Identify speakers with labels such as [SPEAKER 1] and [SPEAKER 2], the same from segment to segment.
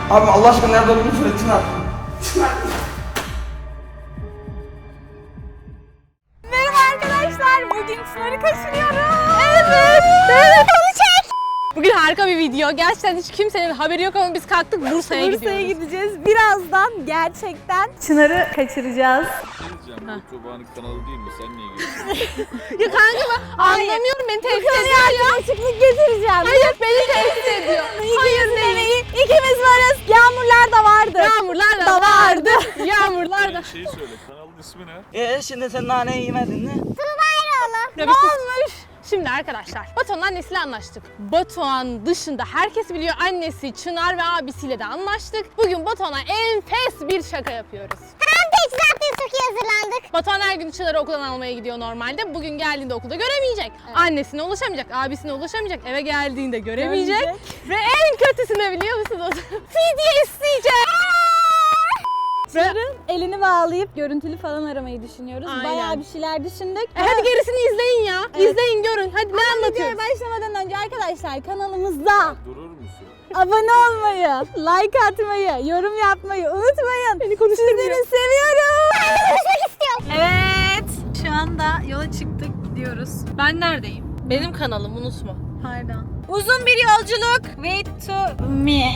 [SPEAKER 1] Abi Allah aşkına nerede olduğunu söyle Çınar. Çınar.
[SPEAKER 2] Merhaba arkadaşlar, bugün Çınar'ı kaçırıyoruz. Evet. Onu çek.
[SPEAKER 3] Bugün harika bir video. Gerçekten hiç kimsenin haberi yok ama biz kalktık Bursa'ya gidiyoruz.
[SPEAKER 2] Bursa'ya gideceğiz. Birazdan gerçekten Çınar'ı kaçıracağız.
[SPEAKER 4] Bu Tuğba'nın kanalı değil mi? Sen niye geliyorsun?
[SPEAKER 3] Ya kanka ben anlamıyorum, beni tehdit ediyor ya.
[SPEAKER 2] Açıklık getireceğim.
[SPEAKER 3] Hayır, beni tehdit ediyor. Hayır değil.
[SPEAKER 2] İkimiz varız. Yağmurlar da vardı.
[SPEAKER 3] Yağmurlar da vardı. Yağmurlar da.
[SPEAKER 4] Şeyi söyle, kanalın ismi ne?
[SPEAKER 1] Şimdi sen naneyi yemedin mi?
[SPEAKER 3] Ne olmuş? Şimdi arkadaşlar, Batuhan'ın annesiyle anlaştık. Batuhan dışında herkes biliyor, annesi Çınar ve abisiyle de anlaştık. Bugün Batuhan'a enfes bir şaka yapıyoruz.
[SPEAKER 2] Zaten çok iyi hazırlandık.
[SPEAKER 3] Batuhan her gün Çınar'ı okuldan almaya gidiyor normalde. Bugün geldiğinde okulda göremeyecek. Evet. Annesine ulaşamayacak, abisine ulaşamayacak, eve geldiğinde göremeyecek. Ve en kötüsü ne biliyor musunuz? Fidye isteyecek.
[SPEAKER 2] Çınar'ın elini bağlayıp görüntülü falan aramayı düşünüyoruz.
[SPEAKER 3] Aynen.
[SPEAKER 2] Bayağı bir şeyler düşündük.
[SPEAKER 3] Hadi gerisini izleyin ya.
[SPEAKER 2] Evet.
[SPEAKER 3] İzleyin, görün. Hadi ne anlatıyoruz?
[SPEAKER 2] Videoya başlamadan önce arkadaşlar kanalımızda
[SPEAKER 4] Durur musun?
[SPEAKER 2] abone olmayı, like atmayı, yorum yapmayı unutmayın.
[SPEAKER 3] Beni konuşturmuyor.
[SPEAKER 2] Sizleri seviyorum. Konuşmak istiyorum. Evet. Şu anda yola çıktık, gidiyoruz.
[SPEAKER 3] Ben neredeyim? Benim kanalım, unutma.
[SPEAKER 2] Pardon. Uzun bir yolculuk. Wait to me.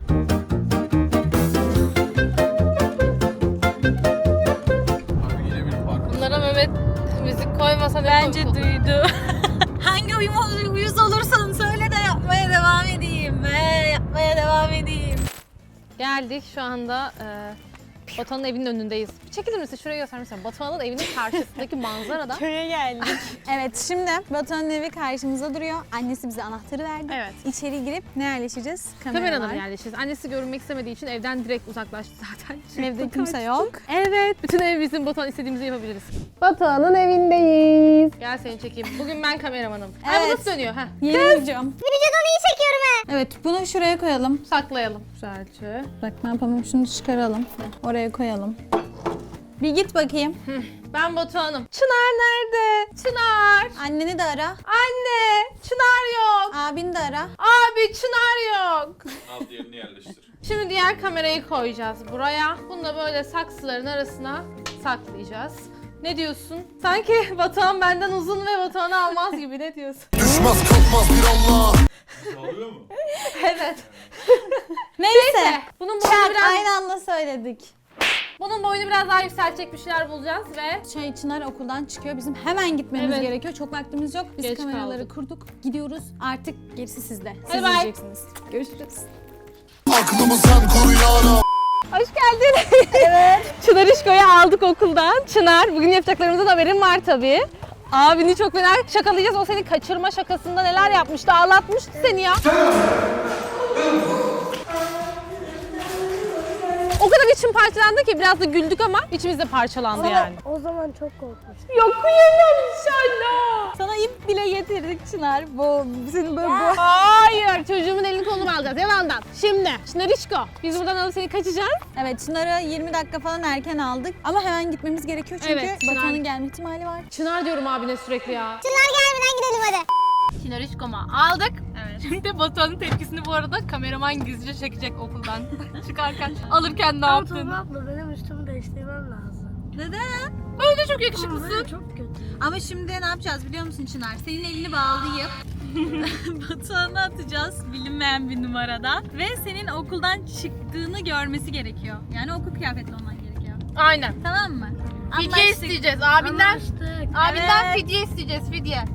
[SPEAKER 4] Abi yine bir fark.
[SPEAKER 3] Bunlara Mehmet müzik koymasa ne
[SPEAKER 2] Bence
[SPEAKER 3] komik olur.
[SPEAKER 2] duydu. Hangi uyuz olursan söyle de yapmaya devam edeyim. Yapmaya devam edeyim.
[SPEAKER 3] Geldik şu anda Batuhan'ın evinin önündeyiz. Bir çekilir misin? Şuraya göster misin? Batuhan'ın evinin karşısındaki manzarada.
[SPEAKER 2] Köye geldik. Evet, şimdi Batuhan'ın evi karşımıza duruyor. Annesi bize anahtarı verdi.
[SPEAKER 3] Evet.
[SPEAKER 2] İçeri girip ne yerleşeceğiz?
[SPEAKER 3] Kameralara yerleşiriz. Annesi görünmek istemediği için evden direkt uzaklaştı zaten.
[SPEAKER 2] Evde kimse yok.
[SPEAKER 3] Evet. Bütün ev bizim, Batuhan istediğimizi yapabiliriz. Batuhan'ın evindeyiz. Gel seni çekeyim. Bugün ben kameramanım. Ay bu
[SPEAKER 2] Evet.
[SPEAKER 3] nasıl dönüyor? Heh.
[SPEAKER 2] Yeni videom. Videodan iyi çekiyorum ha. Evet, bunu şuraya koyalım.
[SPEAKER 3] Saklayalım. Güzelce.
[SPEAKER 2] Bak ne yapalım, şunu çıkaralım. Oraya koyalım. Bir git bakayım.
[SPEAKER 3] Ben Batuhan'ım. Çınar nerede? Çınar.
[SPEAKER 2] Anneni de ara.
[SPEAKER 3] Anne. Çınar yok.
[SPEAKER 2] Abini de ara.
[SPEAKER 3] Abi Çınar yok.
[SPEAKER 4] Al diğerini yerleştir.
[SPEAKER 3] Şimdi diğer kamerayı koyacağız buraya. Bunu da böyle saksıların arasına saklayacağız. Ne diyorsun? Sanki Batuhan benden uzun ve Batuhan'ı almaz gibi, ne diyorsun?
[SPEAKER 5] Düşmez kalkmaz bir Allah.
[SPEAKER 4] Alıyor mu?
[SPEAKER 3] Evet.
[SPEAKER 2] Neyse.
[SPEAKER 3] Bunun boyunu
[SPEAKER 2] Çak,
[SPEAKER 3] biraz,
[SPEAKER 2] aynı anda söyledik.
[SPEAKER 3] bunun boyunu biraz daha yükseltecek bir şeyler bulacağız ve
[SPEAKER 2] Çınar okuldan çıkıyor. Bizim hemen gitmemiz
[SPEAKER 3] Evet.
[SPEAKER 2] gerekiyor. Çok vaktimiz yok. Biz
[SPEAKER 3] Geç
[SPEAKER 2] kameraları
[SPEAKER 3] kaldık.
[SPEAKER 2] kurduk. Gidiyoruz. Artık gerisi sizde. Siz
[SPEAKER 3] Hadi bye.
[SPEAKER 2] izleyeceksiniz. Görüşürüz.
[SPEAKER 5] Aklımı sen koru ya.
[SPEAKER 3] hoş geldin. Evet. Çınar İşko'yu aldık okuldan. Çınar, bugün yapacaklarımızdan haberin var tabii. Abini çok fena şakalayacağız. O seni kaçırma şakasında neler yapmıştı, ağlatmıştı seni ya. O kadar içim parçalandı ki biraz da güldük ama içimiz de parçalandı yani.
[SPEAKER 6] O zaman çok korkmuştum.
[SPEAKER 3] Yok kıyamam inşallah.
[SPEAKER 2] Sana ip bile getirdik Çınar. Bu senin böyle bu.
[SPEAKER 3] Hayır, çocuğumun elini kolunu alacağız yalandan. Şimdi Çınar İşko, biz buradan alıp seni kaçacağız.
[SPEAKER 2] Evet, Çınar'ı 20 dakika falan erken aldık. Ama hemen gitmemiz gerekiyor çünkü
[SPEAKER 3] Evet, Çınar-
[SPEAKER 2] Batuhan'ın gelme ihtimali var.
[SPEAKER 3] Çınar diyorum abine sürekli ya.
[SPEAKER 6] Çınar gelmeden gidelim hadi.
[SPEAKER 3] Çınar İşkom'a aldık. Evet. Şimdi Batuhan'ın tepkisini bu arada kameraman gizlice çekecek okuldan çıkarken. Alırken ne yaptın?
[SPEAKER 6] Tuğba abla benim üstümü değiştirmem lazım.
[SPEAKER 2] Neden?
[SPEAKER 3] Öyle çok yakışıklısın.
[SPEAKER 6] Böyle çok kötü.
[SPEAKER 2] Ama şimdi ne yapacağız biliyor musun Çınar? Senin elini bağlayıp Batuhan'a atacağız bilinmeyen bir numaradan. Ve senin okuldan çıktığını görmesi gerekiyor. Yani okul kıyafetli olman gerekiyor.
[SPEAKER 3] Aynen.
[SPEAKER 2] Tamam mı?
[SPEAKER 3] Fidye
[SPEAKER 2] Anlaştık.
[SPEAKER 3] isteyeceğiz abinden.
[SPEAKER 6] Anlaştık.
[SPEAKER 3] Abinden
[SPEAKER 2] Evet.
[SPEAKER 3] fidye isteyeceğiz, fidye.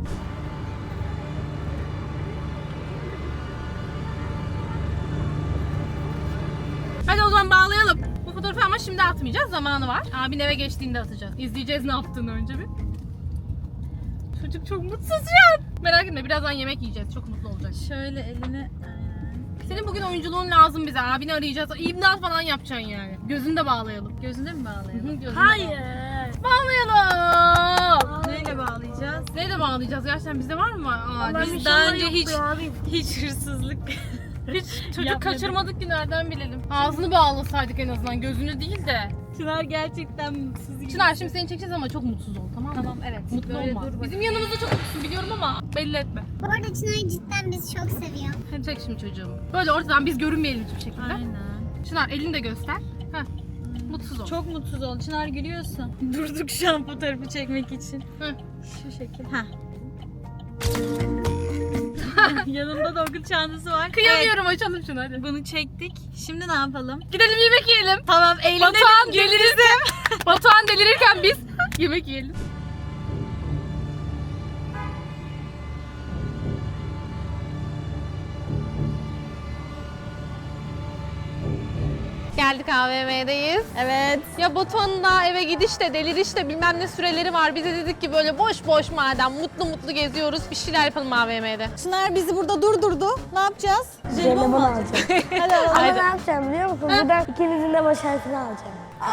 [SPEAKER 3] Hadi o zaman bağlayalım. Bu fotoğrafı ama şimdi atmayacağız, zamanı var. Abin eve geçtiğinde atacağız. İzleyeceğiz ne yaptığını önce bir. Çocuk çok mutsuz şu an. Merak etme, birazdan yemek yiyeceğiz. Çok mutlu olacak.
[SPEAKER 2] Şöyle elini...
[SPEAKER 3] Senin bugün oyunculuğun lazım bize. Abini arayacağız. İmdat falan yapacaksın yani. Gözünü de bağlayalım.
[SPEAKER 2] Gözünde mi bağlayalım?
[SPEAKER 3] Gözünü de
[SPEAKER 6] Hayır.
[SPEAKER 3] bağlayalım.
[SPEAKER 2] Neyle bağlayacağız?
[SPEAKER 3] Neyle bağlayacağız? Gerçekten bizde var mı? Aa,
[SPEAKER 6] Ben
[SPEAKER 3] biz
[SPEAKER 6] bir
[SPEAKER 3] daha
[SPEAKER 6] şey
[SPEAKER 3] önce
[SPEAKER 6] yoktu
[SPEAKER 3] hiç
[SPEAKER 6] abi.
[SPEAKER 2] Hiç hırsızlık.
[SPEAKER 3] hiç çocuk
[SPEAKER 2] Yapmadım.
[SPEAKER 3] kaçırmadık ki, nereden bilelim? Ağzını bağlasaydık en azından, gözünü değil de.
[SPEAKER 2] Çınar gerçekten mutsuz gibi.
[SPEAKER 3] Çınar şimdi seni çekeceğiz ama çok mutsuz ol, tamam mı?
[SPEAKER 2] Tamam, evet.
[SPEAKER 3] Mutlu
[SPEAKER 2] Böyle
[SPEAKER 3] olma.
[SPEAKER 2] dur bak.
[SPEAKER 3] Bizim yanımızda çok mutlusun biliyorum ama belli etme.
[SPEAKER 6] Bu arada Çınar'ı cidden bizi çok seviyor.
[SPEAKER 3] Hadi çek şimdi çocuğumu. Böyle ortadan biz görünmeyelim hiçbir şekilde.
[SPEAKER 2] Aynen.
[SPEAKER 3] Çınar elini de göster. Heh. Mutsuz ol.
[SPEAKER 2] Çok mutsuz ol. Çınar gülüyorsun. Durduk şu an fotoğrafı çekmek için.
[SPEAKER 3] Hı.
[SPEAKER 2] Şu şekil. Ha. Yanında da okul çantası var.
[SPEAKER 3] Kıyamıyorum, açalım şunu hadi.
[SPEAKER 2] Evet, bunu çektik. Şimdi ne yapalım?
[SPEAKER 3] Gidelim yemek yiyelim.
[SPEAKER 2] Tamam, eğlenelim.
[SPEAKER 3] Batuhan delirirken, Batuhan delirirken biz yemek yiyelim. Geldik AVM'deyiz.
[SPEAKER 2] Evet.
[SPEAKER 3] Ya Batuhan'ın da eve gidiş de deliriş de bilmem ne süreleri var. Biz de dedik ki böyle boş boş madem mutlu mutlu geziyoruz bir şeyler yapalım AVM'de.
[SPEAKER 2] Çınar bizi burada durdurdu. Ne yapacağız?
[SPEAKER 6] Jelibon alacağım.
[SPEAKER 2] Hadi alalım.
[SPEAKER 6] Ama ne yapacağım biliyor musun? Buradan ikinizin de baş harfini alacağım.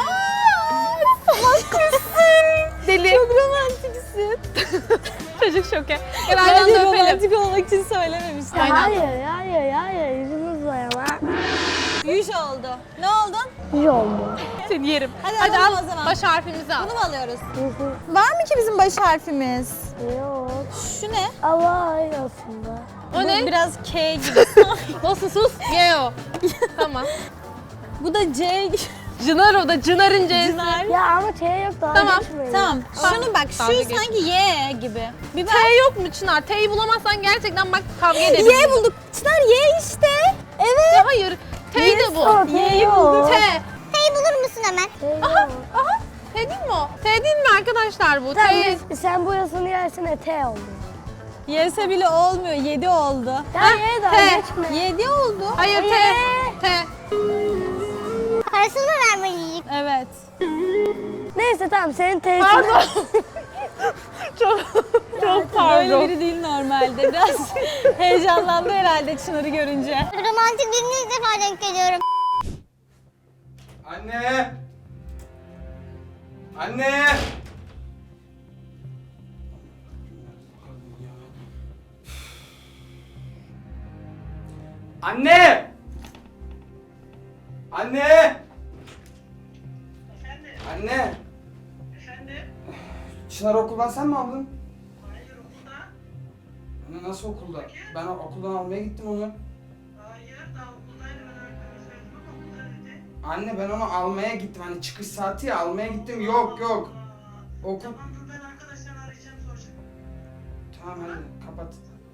[SPEAKER 3] Deli.
[SPEAKER 2] Çok romantiksin.
[SPEAKER 3] Çocuk şoke. Ya benden de öpelim.
[SPEAKER 2] romantik olmak için söylememiştim.
[SPEAKER 3] Aynen.
[SPEAKER 6] Hayır. Yüzünüz var ama.
[SPEAKER 2] Yüz oldu. Ne oldun?
[SPEAKER 6] İyi oldu.
[SPEAKER 3] Seni yerim.
[SPEAKER 2] Hadi
[SPEAKER 3] al
[SPEAKER 2] alalım o zaman.
[SPEAKER 3] baş harfimizi al.
[SPEAKER 2] Bunu mu alıyoruz? Var mı ki bizim baş harfimiz?
[SPEAKER 6] Yok.
[SPEAKER 2] Şu ne?
[SPEAKER 6] Ama aynı aslında.
[SPEAKER 3] O
[SPEAKER 2] Bu
[SPEAKER 3] ne?
[SPEAKER 2] biraz K gibi.
[SPEAKER 3] Olsun sus. Ye o. Tamam.
[SPEAKER 2] Bu da C.
[SPEAKER 3] Cınar o da Cınar'ın C'si.
[SPEAKER 2] Çınar.
[SPEAKER 6] Ya ama T yok daha
[SPEAKER 3] Tamam,
[SPEAKER 6] geçmeyin.
[SPEAKER 2] Tamam.
[SPEAKER 3] Tamam.
[SPEAKER 2] Şunu bak.
[SPEAKER 3] Dalga
[SPEAKER 2] Şu
[SPEAKER 3] geç.
[SPEAKER 2] sanki Y gibi. Bir bak.
[SPEAKER 3] T yok mu Çınar? T'yi bulamazsan gerçekten bak kavga edelim.
[SPEAKER 2] Y bulduk. Çınar Y işte. Evet.
[SPEAKER 3] Ya hayır. T de bu.
[SPEAKER 6] O, T
[SPEAKER 2] Y'yi
[SPEAKER 6] yok.
[SPEAKER 2] bulduk.
[SPEAKER 3] T.
[SPEAKER 2] T'yi bulur musun hemen?
[SPEAKER 6] T yok.
[SPEAKER 3] Aha. T değil mi o? T değil mi arkadaşlar bu?
[SPEAKER 6] Tamam,
[SPEAKER 3] T.
[SPEAKER 6] sen burasını yersene T oldu.
[SPEAKER 2] Y'se bile olmuyor. 7 oldu.
[SPEAKER 6] Ya ye daha
[SPEAKER 3] T.
[SPEAKER 6] geçme.
[SPEAKER 2] 7 oldu.
[SPEAKER 3] Hayır T. T.
[SPEAKER 6] Parasını mı vermeliyim?
[SPEAKER 2] Evet.
[SPEAKER 6] Neyse tamam senin T'sini.
[SPEAKER 3] Pardon. çok
[SPEAKER 2] Böyle
[SPEAKER 3] pardon.
[SPEAKER 2] biri değil normalde. Biraz heyecanlandı herhalde Çınar'ı görünce.
[SPEAKER 6] Romantik birini ilk defa denk geliyorum.
[SPEAKER 1] Anne! Anne! Anne! Anne! Anne! Çınar okuldan sen mi aldın?
[SPEAKER 7] Hayır okulda.
[SPEAKER 1] Anne nasıl okulda? Ben okuldan almaya gittim onu.
[SPEAKER 7] Hayır daha okuldaydı ben öğretmenime söyledim ama okulda dedi.
[SPEAKER 1] Anne ben onu almaya gittim. Hani çıkış saati ya almaya gittim. Yok. Okul.
[SPEAKER 7] Tamam dur ben arkadaşlarını arayacağım soracağım.
[SPEAKER 1] Tamam hadi kapat.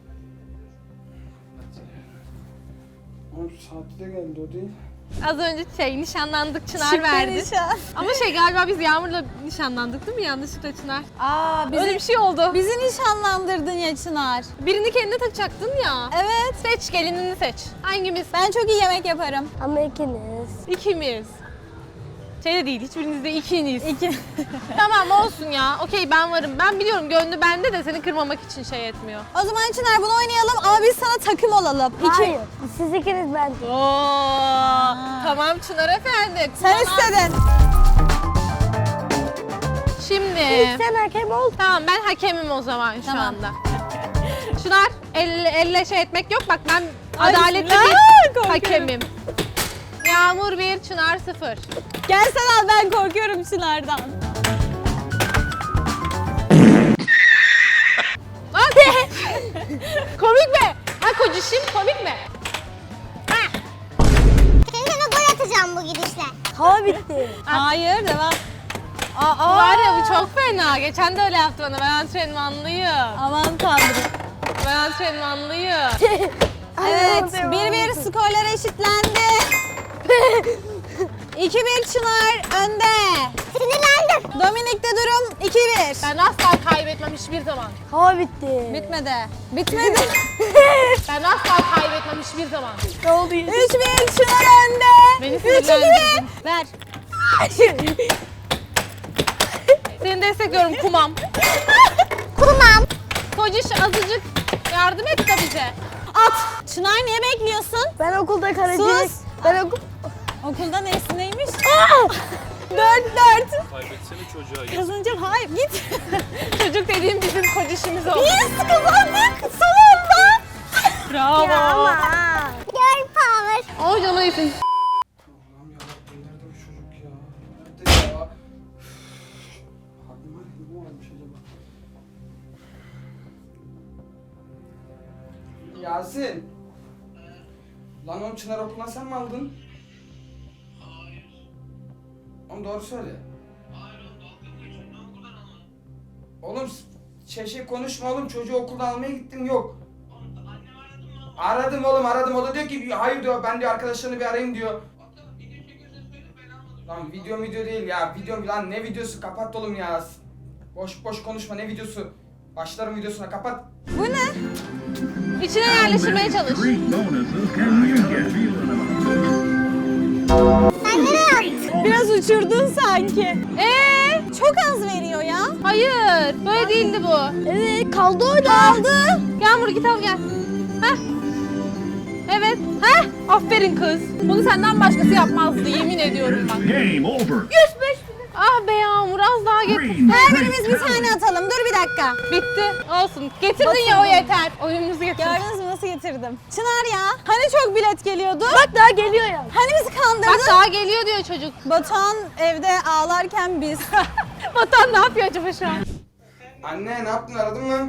[SPEAKER 1] Oğlum saati de geldi o değil.
[SPEAKER 3] Az önce nişanlandık Çınar verdi. Ama galiba biz Yağmur'la nişanlandık değil mi yanlışlıkla Çınar? Öyle bir şey oldu.
[SPEAKER 2] Bizi nişanlandırdın ya Çınar.
[SPEAKER 3] Birini kendine takacaktın ya.
[SPEAKER 2] Evet.
[SPEAKER 3] Seç gelinini seç. Hangimiz?
[SPEAKER 2] Ben çok iyi yemek yaparım.
[SPEAKER 6] Ama ikiniz.
[SPEAKER 3] İkimiz. De değil hiçbiriniz de ikiniz.
[SPEAKER 2] İki.
[SPEAKER 3] Tamam olsun ya. Okey ben varım. Ben biliyorum gönlü bende de seni kırmamak için etmiyor.
[SPEAKER 2] O zaman Çınar bunu oynayalım ama biz sana takım olalım.
[SPEAKER 6] Hayır. Siz ikiniz ben.
[SPEAKER 3] Oo. Tamam Çınar efendi.
[SPEAKER 2] Sen istedin.
[SPEAKER 3] Şimdi.
[SPEAKER 6] Sen hakem ol.
[SPEAKER 3] Tamam ben hakemim o zaman şu
[SPEAKER 2] Tamam.
[SPEAKER 3] anda. Çınar elle etmek yok. Bak ben
[SPEAKER 2] Ay,
[SPEAKER 3] adaletli
[SPEAKER 2] Çınar,
[SPEAKER 3] bir
[SPEAKER 2] korkuyorum.
[SPEAKER 3] hakemim. Yağmur 1, Çınar 0.
[SPEAKER 2] Gel sen al, ben korkuyorum Çınar'dan.
[SPEAKER 3] Komik mi? Ha kocişim komik mi?
[SPEAKER 6] Kendime gol atacağım bu gidişle. Hava bitti.
[SPEAKER 2] Hayır, devam.
[SPEAKER 3] Var ya bu çok fena. Geçen de öyle yaptı bana. Ben antrenmanlıyım.
[SPEAKER 2] Aman tanrım.
[SPEAKER 3] Ben antrenmanlıyım.
[SPEAKER 2] Evet, 1-1 skorlar eşitlendi. 2-1 Çınar önde.
[SPEAKER 6] Sinirlendim.
[SPEAKER 2] Dominik'te durum 2-1.
[SPEAKER 3] Ben asla kaybetmem hiçbir zaman.
[SPEAKER 6] Hava bitti.
[SPEAKER 2] Bitmedi. Bitmedi.
[SPEAKER 3] Ben asla kaybetmem hiçbir zaman.
[SPEAKER 6] Ne oldu?
[SPEAKER 2] 3-1 Çınar önde.
[SPEAKER 3] Beni
[SPEAKER 2] 3-2.
[SPEAKER 3] sinirlendirdin.
[SPEAKER 2] Ver.
[SPEAKER 3] Seni destekliyorum kumam.
[SPEAKER 6] Kumam.
[SPEAKER 3] Kociş azıcık yardım et de bize.
[SPEAKER 2] At. Çınar niye bekliyorsun?
[SPEAKER 6] Ben okulda kalecilik.
[SPEAKER 2] Sus.
[SPEAKER 6] Ben okul...
[SPEAKER 2] Okulda neymiş? 4-4.
[SPEAKER 4] Kaybetsene çocuğa git.
[SPEAKER 2] Kazanacağım. Hayır, git.
[SPEAKER 3] Çocuk dediğim bizim kocişimiz oldu.
[SPEAKER 2] Yes, kazandık. Son anda.
[SPEAKER 3] Bravo.
[SPEAKER 6] Girl power.
[SPEAKER 3] O canı iyisin.
[SPEAKER 1] Allah'ım yarabbim nerede bu çocuk ya? Nerede ya? Aklıma ne olmuş acaba? Yasin. Lan oğlum Çınar okuldan sen mi aldın? Oğlum doğru söyle. Oğlum şey konuşma oğlum, çocuğu okuldan almaya gittim, yok. Aradım oğlum, aradım, o da diyor ki hayır diyor, ben diyor arkadaşlarını bir arayayım diyor. Lan video değil ya, video lan, ne videosu, kapat oğlum ya. Boş konuşma, ne videosu? Başlarım videosuna, kapat.
[SPEAKER 2] Bu ne?
[SPEAKER 3] İçine yerleştirmeye çalış.
[SPEAKER 6] Sen nereye attın?
[SPEAKER 2] Biraz uçurdun sanki. Çok az veriyor ya.
[SPEAKER 3] Hayır, böyle değildi bu.
[SPEAKER 2] Evet, kaldı orada. Kaldı.
[SPEAKER 3] Yağmur git al gel. Heh. Evet. Heh. Aferin kız. Bunu senden başkası yapmazdı, yemin ediyorum bak.
[SPEAKER 8] Game over.
[SPEAKER 3] 105. Ah be Yağmur, az daha getir.
[SPEAKER 2] Her birimiz bir tane atalım. Dur bir dakika.
[SPEAKER 3] Bitti. Olsun. Getirdin ya, o yeter. Oyunumuzu getir.
[SPEAKER 2] Gördünüz mü nasıl getirdim? Çınar ya. Hani çok bilet geliyordu? Bak daha geliyor ya. Hani bizi kandırdın?
[SPEAKER 3] Bak daha geliyor diyor çocuk.
[SPEAKER 2] Batuhan evde ağlarken biz.
[SPEAKER 3] Vatan ne yapıyor acaba şu an?
[SPEAKER 1] Anne ne yaptın, aradın mı?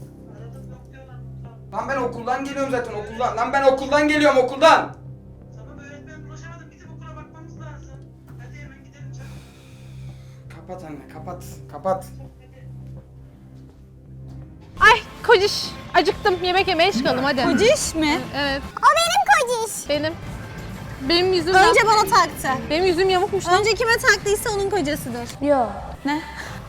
[SPEAKER 1] Lan ben okuldan geliyorum zaten, okuldan. Lan ben okuldan geliyorum, okuldan.
[SPEAKER 7] Tamam öğretmen ulaşamadım. Bizim okula bakmamız lazım. Hadi hemen gidelim çabuk.
[SPEAKER 1] Kapat anne, kapat.
[SPEAKER 3] Ay kociş. Acıktım. Yemek yemeye çıkalım hadi.
[SPEAKER 2] Kociş mi?
[SPEAKER 3] Evet.
[SPEAKER 6] O benim kociş.
[SPEAKER 3] Benim yüzüm
[SPEAKER 2] Önce bana taktı.
[SPEAKER 3] Benim yüzüm yamukmuş lan.
[SPEAKER 2] Önce kime taktıysa onun kocasıdır.
[SPEAKER 6] Yok.
[SPEAKER 2] Ne?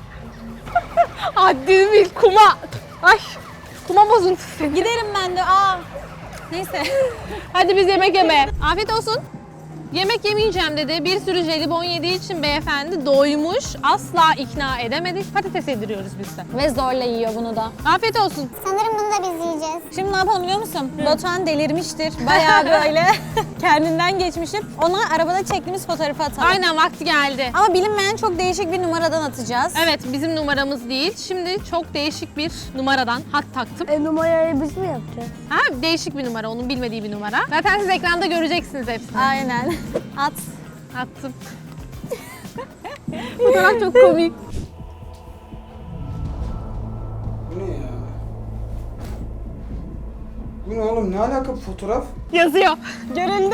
[SPEAKER 3] Haddini bil kuma. Ay. Kuma bozuntusu.
[SPEAKER 2] Giderim ben de. Neyse.
[SPEAKER 3] Hadi biz yemek yemeye. Afiyet olsun. Yemek yemeyeceğim dedi. Bir sürü jelibon yediği için beyefendi doymuş. Asla ikna edemedik. Patates yediriyoruz biz de.
[SPEAKER 2] Ve zorla yiyor bunu da.
[SPEAKER 3] Afiyet olsun.
[SPEAKER 6] Sanırım bunu da biz yiyeceğiz.
[SPEAKER 2] Şimdi ne yapalım biliyor musun? Batuhan delirmiştir. Bayağı böyle kendinden geçmiştir. Ona arabada çektiğimiz fotoğrafı atalım.
[SPEAKER 3] Aynen vakti geldi.
[SPEAKER 2] Ama bilinmeyen çok değişik bir numaradan atacağız.
[SPEAKER 3] Evet bizim numaramız değil. Şimdi çok değişik bir numaradan hat taktım.
[SPEAKER 6] Numarayı biz mi yapacağız?
[SPEAKER 3] Ha, değişik bir numara, onun bilmediği bir numara. Zaten siz ekranda göreceksiniz hepsini.
[SPEAKER 2] Aynen. At.
[SPEAKER 3] Attım. Fotoğraf çok komik.
[SPEAKER 1] Bu ne ya? Bu ne oğlum, ne alaka bu fotoğraf?
[SPEAKER 3] Yazıyor.
[SPEAKER 2] Görüldü.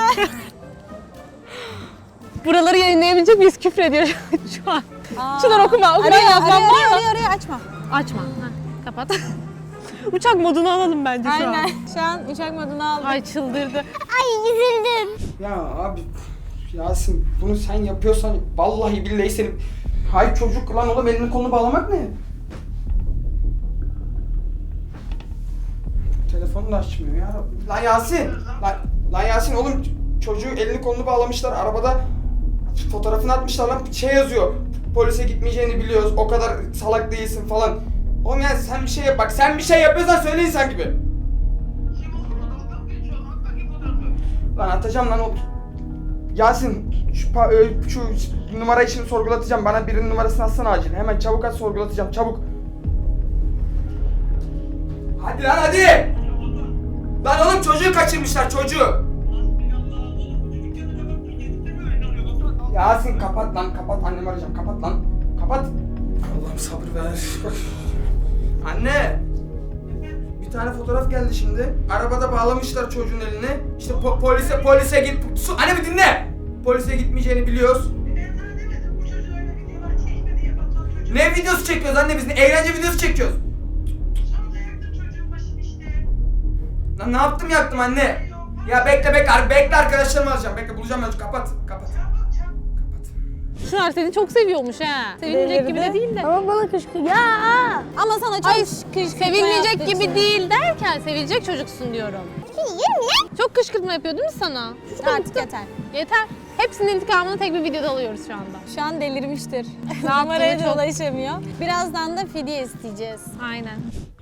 [SPEAKER 3] Buraları yayınlayabilecek miyiz? Küfür ediyor şu an. Çınar okuma yazmam var mı?
[SPEAKER 2] Arıyor, açma.
[SPEAKER 3] Açma. Ha, kapat. Uçak modunu alalım bence şu an.
[SPEAKER 2] Aynen. Şu an uçak modunu aldık.
[SPEAKER 3] Ay çıldırdı.
[SPEAKER 6] Ay üzüldüm.
[SPEAKER 1] Ya abi, Yasin bunu sen yapıyorsan vallahi billahi seni... Hay çocuk lan oğlum, elini kolunu bağlamak ne? Telefonu da açmıyor ya. Lan Yasin! Lan Yasin oğlum, çocuğu elini kolunu bağlamışlar arabada, fotoğrafını atmışlar lan, şey yazıyor. Polise gitmeyeceğini biliyoruz, o kadar salak değilsin falan. Oğlum yani sen bir şey yap, bak sen bir şey yapıyorsan söyle insan gibi.
[SPEAKER 7] Kim olduğunu dalga mı geçiyor? At bakayım fotoğrafı.
[SPEAKER 1] Lan atacağım lan o... Yasin şu numarayı şimdi sorgulatacağım. Bana birinin numarasını atsana acil. Hemen çabuk at, sorgulatacağım çabuk. Hadi lan hadi. Lan oğlum çocuğu kaçırmışlar, çocuğu. Yasin kapat lan, kapat, annemi arayacağım, kapat lan. Kapat. Allah'ım sabır ver. Anne. Bir tane fotoğraf geldi şimdi. Arabada bağlamışlar çocuğun eline. İşte polise git. Anne bir dinle. Polise gitmeyeceğini biliyoruz.
[SPEAKER 7] Ben sana demedim bu çocuğu öyle videolar çekme diye. Batuhan çocuğu.
[SPEAKER 1] Ne videosu çekiyoruz anne biz? Ne eğlence videosu çekiyoruz.
[SPEAKER 7] Sonra da yaktın çocuğun başını işte.
[SPEAKER 1] Lan ne yaptım, yaktım anne. Ya bekle arkadaşlarımı alacağım. Bekle bulacağım ben. Kapat.
[SPEAKER 7] Çabuk.
[SPEAKER 3] Çınar seni çok seviyormuş ha. Sevilmeyecek gibi de değil de.
[SPEAKER 6] Ama bana kışkı. Ya.
[SPEAKER 2] Ama sana çok
[SPEAKER 3] Ay
[SPEAKER 2] kışkırtma
[SPEAKER 3] sevilmeyecek
[SPEAKER 2] yaptığı
[SPEAKER 3] gibi
[SPEAKER 2] için.
[SPEAKER 3] değil derken sevilecek çocuksun diyorum.
[SPEAKER 6] Yürü.
[SPEAKER 3] Çok kışkırtma yapıyor değil mi sana?
[SPEAKER 2] Artık yeter.
[SPEAKER 3] Yeter. Hepsinin intikamını tek bir videoda alıyoruz şu anda.
[SPEAKER 2] Şu an delirmiştir.
[SPEAKER 3] Ne yaptığını
[SPEAKER 2] Numaraya da
[SPEAKER 3] çok-
[SPEAKER 2] ulaşamıyor. Birazdan da fidye isteyeceğiz.
[SPEAKER 3] Aynen.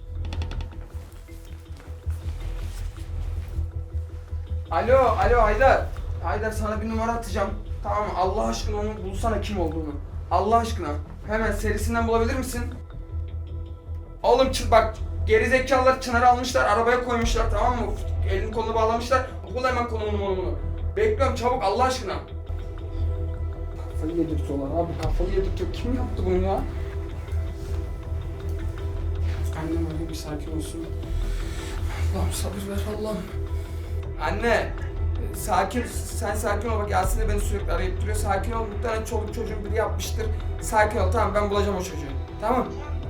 [SPEAKER 1] Alo Haydar. Haydar sana bir numara atacağım. Tamam mı? Allah aşkına onu bulsana, kim olduğunu. Allah aşkına. Hemen serisinden bulabilir misin? Oğlum bak, gerizekalılar Çınar'ı almışlar, arabaya koymuşlar, tamam mı? Elini kolunu bağlamışlar. Bul hemen konumunu. Bekliyorum çabuk Allah aşkına. Kafayı yedirtiyorlar abi, kafayı yedirtiyor. Kim yaptı bunu ya? Annem öyle bir sakin olsun. Allah'ım sabır ver Allah'ım. Anne, Sakin, sen sakin ol bak Yasin de beni sürekli arayıp duruyor. Sakin ol, muhtemelen çoluk çocuğun biri yapmıştır. Sakin ol, tamam ben bulacağım o çocuğu. Tamam.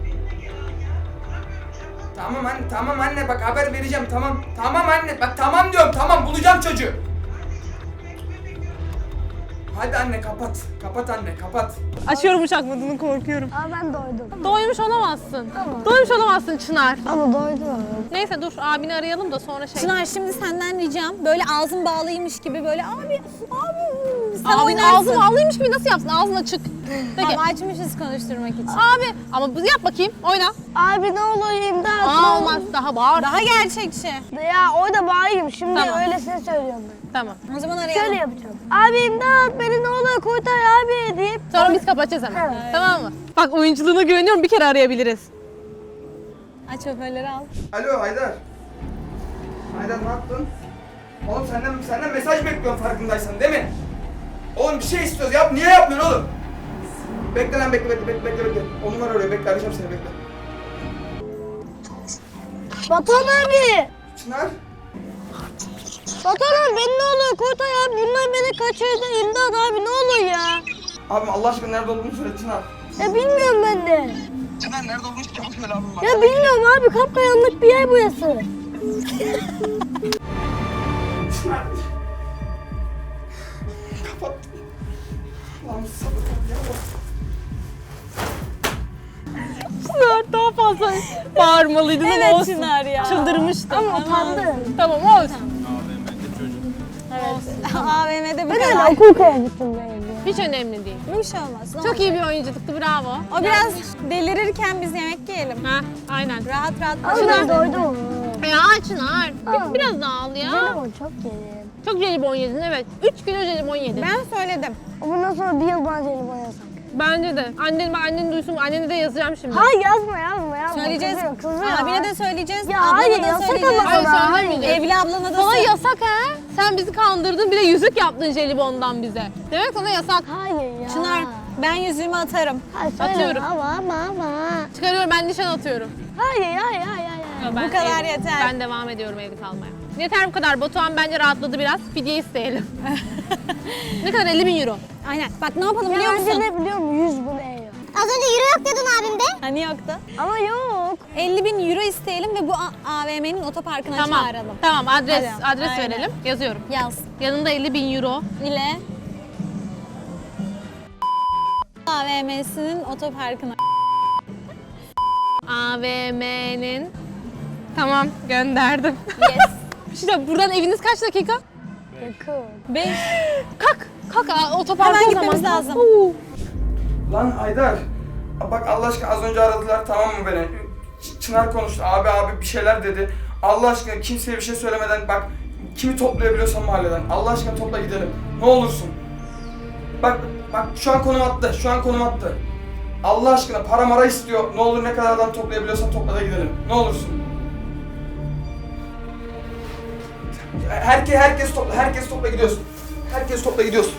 [SPEAKER 1] Tamam anne bak haber vereceğim tamam. Tamam anne bak tamam diyorum tamam bulacağım çocuğu. Hadi anne kapat. Kapat anne kapat.
[SPEAKER 3] Açıyorum uçak modunu, korkuyorum.
[SPEAKER 6] Aa ben doydum.
[SPEAKER 3] Doymuş olamazsın.
[SPEAKER 6] Tamam.
[SPEAKER 3] Doymuş olamazsın Çınar.
[SPEAKER 6] Ama doydum.
[SPEAKER 3] Neyse dur abini arayalım da sonra şey...
[SPEAKER 2] Çınar şimdi senden ricam böyle ağzın bağlıymış gibi böyle abi sen
[SPEAKER 3] Abinin
[SPEAKER 2] oynarsın.
[SPEAKER 3] ağzı bağlıymış gibi nasıl yapsın? Ağzın açık. Peki.
[SPEAKER 2] Tamam açmışız konuşturmak için.
[SPEAKER 3] Abi ama bunu yap bakayım. Oyna.
[SPEAKER 6] Abi ne olur imdat.
[SPEAKER 3] Aa olmaz. Daha bağır.
[SPEAKER 2] Daha gerçekçi.
[SPEAKER 6] Ya orada bağırayım şimdi
[SPEAKER 3] Tamam.
[SPEAKER 6] öylesine söylüyorum ben.
[SPEAKER 3] Tamam.
[SPEAKER 2] O zaman arayalım.
[SPEAKER 6] Şöyle yapacağım. Abi imdat beni ne olur kurtar abi deyip.
[SPEAKER 3] Sonra biz kapatacağız hemen.
[SPEAKER 6] Evet.
[SPEAKER 3] Tamam mı? Bak oyunculuğuna güveniyorum. Bir kere arayabiliriz.
[SPEAKER 2] Aç hoparlörü al.
[SPEAKER 1] Alo Haydar. Haydar ne yaptın? Oğlum senden mesaj bekliyorum farkındaysan değil mi? Oğlum bir şey istiyoruz yap niye yapmıyorsun oğlum? Bekle lan bekle. O numara arıyor bekle arayacağım seni bekle.
[SPEAKER 6] Batuhan abi.
[SPEAKER 1] Çınar.
[SPEAKER 6] Batuhan abi beni ne olur kurtar abi. Bunlar beni kaçırdı imdat abi ne olur ya.
[SPEAKER 1] Abim Allah aşkına nerede olduğunu söyle Çınar.
[SPEAKER 6] Ya bilmiyorum ben de.
[SPEAKER 1] Çınar nerede olduğunu çabuk söyle abim bak.
[SPEAKER 6] Ya bilmiyorum abi kapkaranlık bir yer burası.
[SPEAKER 1] Çınar. Kapat. Lan sabır ya.
[SPEAKER 3] Çınar daha fazla bağırmalıydın ama
[SPEAKER 2] Evet
[SPEAKER 3] olsun.
[SPEAKER 2] Çınar ya.
[SPEAKER 3] Çıldırmıştım.
[SPEAKER 6] Ama utandım.
[SPEAKER 3] Tamam olsun.
[SPEAKER 4] AVM'de çocuk.
[SPEAKER 2] AVM'de bu
[SPEAKER 6] Ben
[SPEAKER 2] kadar.
[SPEAKER 6] öyle okul kıyafetim benim.
[SPEAKER 3] Hiç önemli değil.
[SPEAKER 2] Bir şey olmaz. ne
[SPEAKER 3] Çok
[SPEAKER 2] olacak?
[SPEAKER 3] iyi bir oyunculuktu. Bravo.
[SPEAKER 2] O biraz delirirken biz yemek yiyelim.
[SPEAKER 3] Ha, aynen.
[SPEAKER 2] Rahat rahat
[SPEAKER 6] Ama ben doydum.
[SPEAKER 3] Ya Çınar.
[SPEAKER 6] Aa.
[SPEAKER 3] Biraz daha al ya.
[SPEAKER 6] Güzel ama çok yedim.
[SPEAKER 3] Çok jelibon yedin evet. 3 kilo jelibon yedin.
[SPEAKER 2] Ben söyledim.
[SPEAKER 6] Bundan sonra bir yıl bana jelibon yasak.
[SPEAKER 3] Bence de. Annen duysun. Annene de yazacağım şimdi.
[SPEAKER 6] Hayır yazma.
[SPEAKER 2] Söyleyeceğiz.
[SPEAKER 6] Kızıyor.
[SPEAKER 2] Abine de söyleyeceğiz.
[SPEAKER 6] Ya
[SPEAKER 2] ablana
[SPEAKER 6] hayır,
[SPEAKER 2] da
[SPEAKER 6] yasak
[SPEAKER 2] söyleyeceğiz.
[SPEAKER 6] ama
[SPEAKER 3] Hayır
[SPEAKER 6] sana,
[SPEAKER 3] söylemeyeceğiz.
[SPEAKER 2] Evli ablana da
[SPEAKER 3] Sana
[SPEAKER 2] söyle.
[SPEAKER 3] yasak ha. Sen bizi kandırdın bir de yüzük yaptın jelibondan bize. Demek sana yasak.
[SPEAKER 6] Hayır ya.
[SPEAKER 2] Çınar ben yüzüğümü atarım.
[SPEAKER 6] Hayır, söyle.
[SPEAKER 3] Atıyorum.
[SPEAKER 6] Ama.
[SPEAKER 3] Çıkarıyorum ben nişan atıyorum.
[SPEAKER 6] Hayır.
[SPEAKER 3] Ben
[SPEAKER 2] Bu kadar yeter.
[SPEAKER 3] Ben devam ediyorum evli kalmaya. Yeter bu kadar. Batuhan bence rahatladı biraz. Fidye isteyelim. Ne kadar? 50.000 euro.
[SPEAKER 2] Aynen. Bak ne yapalım
[SPEAKER 6] Ya
[SPEAKER 2] biliyor
[SPEAKER 6] bence
[SPEAKER 2] musun?
[SPEAKER 6] ne biliyor musun? 100 bin euro.
[SPEAKER 8] Az önce euro yok diyordun abimde.
[SPEAKER 2] Hani yoktu.
[SPEAKER 6] Ama yok.
[SPEAKER 2] 50.000 euro isteyelim ve bu AVM'nin otoparkına
[SPEAKER 3] Tamam.
[SPEAKER 2] çağıralım.
[SPEAKER 3] Tamam adres
[SPEAKER 2] Hadi.
[SPEAKER 3] adres
[SPEAKER 2] Aynen.
[SPEAKER 3] verelim. Yazıyorum.
[SPEAKER 2] Yaz.
[SPEAKER 3] Yanında 50.000 euro.
[SPEAKER 2] İle AVM'sinin otoparkına.
[SPEAKER 3] AVM'nin. Tamam gönderdim.
[SPEAKER 2] Yes.
[SPEAKER 3] İşte buradan eviniz kaç dakika?
[SPEAKER 6] Yakın.
[SPEAKER 2] 5.
[SPEAKER 3] Kalk otoparka
[SPEAKER 2] Hemen
[SPEAKER 3] o zaman.
[SPEAKER 2] gitmemiz lazım.
[SPEAKER 3] Oo.
[SPEAKER 1] Lan Haydar. Bak Allah aşkına az önce aradılar tamam mı beni? Çınar konuştu abi bir şeyler dedi. Allah aşkına kimseye bir şey söylemeden bak kimi toplayabiliyorsan mahalleden. Allah aşkına topla gidelim. Ne olursun. Bak şu an konum attı. Allah aşkına para mara istiyor. Ne olur ne kadar adam toplayabiliyorsan topla da gidelim. Ne olursun. Herkes topla gidiyorsun. Herkes topla gidiyorsun.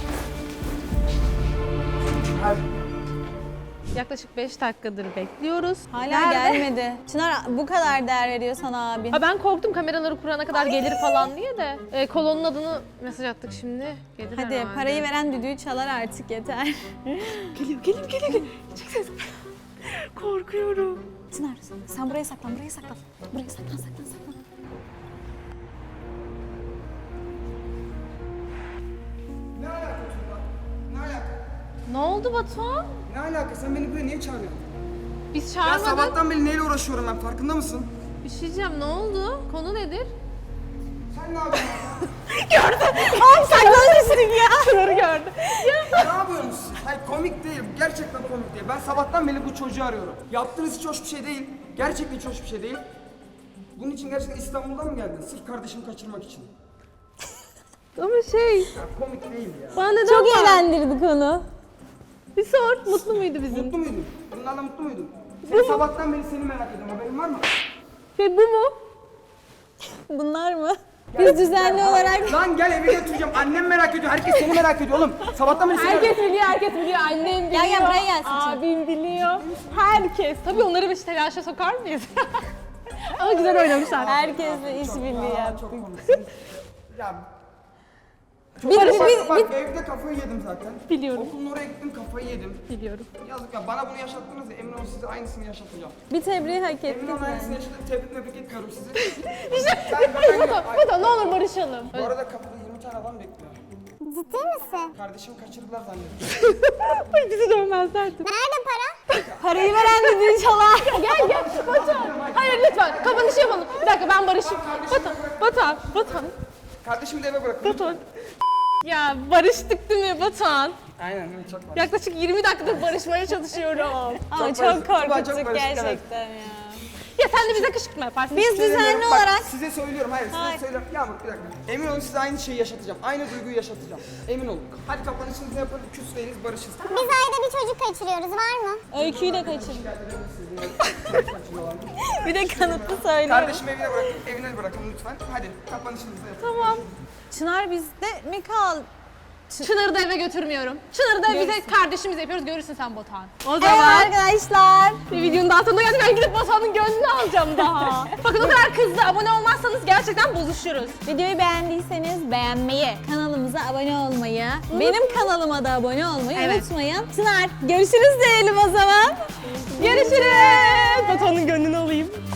[SPEAKER 1] Hadi.
[SPEAKER 3] Yaklaşık 5 dakikadır bekliyoruz.
[SPEAKER 2] Hala
[SPEAKER 3] Nerede?
[SPEAKER 2] gelmedi. Çınar bu kadar değer veriyor sana abi.
[SPEAKER 3] Ha ben korktum kameraları kurana kadar gelir falan diye de. Kolonun adını mesaj attık şimdi. Gelir
[SPEAKER 2] Hadi
[SPEAKER 3] herhalde.
[SPEAKER 2] parayı veren düdüğü çalar artık yeter.
[SPEAKER 3] Geliyor. Çık ses. Korkuyorum.
[SPEAKER 2] Çınar sen buraya saklan. Buraya saklan.
[SPEAKER 1] Ne alaka Tuğba? Ne alaka?
[SPEAKER 3] Ne oldu Batuhan?
[SPEAKER 1] Ne alaka? Sen beni buraya niye çağırıyorsun?
[SPEAKER 3] Biz
[SPEAKER 1] Ya
[SPEAKER 3] çağırmadık.
[SPEAKER 1] sabahtan beri neyle uğraşıyorum ben farkında mısın?
[SPEAKER 3] Bir şey diyeceğim ne oldu? Konu nedir?
[SPEAKER 1] Sen ne yapıyorsun?
[SPEAKER 2] Saklanmışsın ya.
[SPEAKER 3] Şunları gördü.
[SPEAKER 1] Ne yapıyorsunuz siz? Hayır komik değil. Gerçekten komik değil. Ben sabahtan beri bu çocuğu arıyorum. Yaptığınız hiç hoş bir şey değil. Gerçekten hiç hoş bir şey değil. Bunun için gerçekten İstanbul'dan mı geldin? Sırf kardeşimi kaçırmak için.
[SPEAKER 3] Ama şey,
[SPEAKER 1] Ya komik değil ya.
[SPEAKER 3] bana neden
[SPEAKER 2] Çok
[SPEAKER 3] var?
[SPEAKER 2] eğlendirdik onu.
[SPEAKER 3] Bir sor, mutlu muydu bizim?
[SPEAKER 1] Mutlu muydun? Bunlarla mutlu muydun? Sen sabahtan beri seni merak ediyorum. Haberin var mı?
[SPEAKER 3] Ve bu mu?
[SPEAKER 2] Bunlar mı? Biz düzenli olarak
[SPEAKER 1] Lan gel eve götüreceğim. Annem merak ediyor. Herkes seni merak ediyor oğlum. Sabahtan beri seni
[SPEAKER 3] Herkes biliyor. Annem biliyor.
[SPEAKER 2] gel buraya gelsin.
[SPEAKER 3] Abim biliyor. Herkes. Tabii onları bir telaşa sokar mıyız? Ama güzel oynamışlar.
[SPEAKER 2] Herkesle işbirliği yaptık.
[SPEAKER 1] Çok komiksin. Ya Bak evde kafayı yedim zaten.
[SPEAKER 3] Biliyorum.
[SPEAKER 1] Okulun oraya gittim kafayı yedim.
[SPEAKER 3] Biliyorum.
[SPEAKER 1] Yazık ya bana bunu yaşattınız ya emin olun size aynısını yaşatacağım.
[SPEAKER 6] Bir tebriği hak
[SPEAKER 1] Emin
[SPEAKER 6] ettik
[SPEAKER 1] olun aynısını
[SPEAKER 6] yani.
[SPEAKER 1] yaşatıp tebrik etmiyorum sizi.
[SPEAKER 3] Batuhan ne olur barışalım.
[SPEAKER 1] Bu arada kapıda 20 tane adam bekliyor.
[SPEAKER 8] Ciddi misin?
[SPEAKER 1] Kardeşimi kaçırdılar zannediyorum.
[SPEAKER 3] Ay bizi dövmezlerdi.
[SPEAKER 8] Nerede para?
[SPEAKER 6] Parayı veren de inşallah.
[SPEAKER 3] Gel Batuhan. Hayır lütfen kapanışı yapalım. Bir dakika ben barışayım. Batuhan.
[SPEAKER 1] Kardeşimi de eve bırakın.
[SPEAKER 3] Batuhan. Ya barıştık değil mi Batuhan?
[SPEAKER 1] Aynen çok var.
[SPEAKER 3] Yaklaşık 20 dakikadır barışmaya çalışıyorum.
[SPEAKER 6] Ama
[SPEAKER 1] Çok
[SPEAKER 6] çok
[SPEAKER 1] barışık. Tuba çok
[SPEAKER 6] korkuttuk
[SPEAKER 1] barışık, evet.
[SPEAKER 6] gerçekten ya.
[SPEAKER 3] Ya sen de bize kışkırtma yaparsın.
[SPEAKER 6] Biz düzenli
[SPEAKER 1] Bak,
[SPEAKER 6] olarak
[SPEAKER 1] size söylüyorum hayır size söylüyorum. Yağmur bir dakika. Emin olun size aynı şeyi yaşatacağım. Aynı duyguyu yaşatacağım. Emin olun. Hadi kapanışınızı yapın. Küs değiliz barışız.
[SPEAKER 8] Biz ayda bir çocuk kaçırıyoruz var mı?
[SPEAKER 6] öyküyü de kaçırdık. Bir de kanıtlı söylüyorum.
[SPEAKER 1] Kardeşimi evine bırakın lütfen. Hadi kapanışınızı yapın.
[SPEAKER 3] Tamam.
[SPEAKER 6] Çınar bizde mi kal?
[SPEAKER 3] Çınar'ı da eve götürmüyorum. Çınar'ı da bize kardeşimiz yapıyoruz. Görürsün sen Batuhan. O
[SPEAKER 6] Evet
[SPEAKER 3] zaman
[SPEAKER 6] arkadaşlar.
[SPEAKER 3] bir videonun daha sonuna geldik. Ben gidip Batuhan'ın gönlünü alacağım daha. Bakın o kadar kızdı. Abone olmazsanız gerçekten bozuşuruz.
[SPEAKER 6] Videoyu beğendiyseniz beğenmeyi, kanalımıza abone olmayı, benim kanalıma da abone olmayı
[SPEAKER 3] Evet.
[SPEAKER 6] unutmayın. Çınar görüşürüz diyelim o zaman.
[SPEAKER 3] Görüşürüz. Batuhan'ın gönlünü alayım.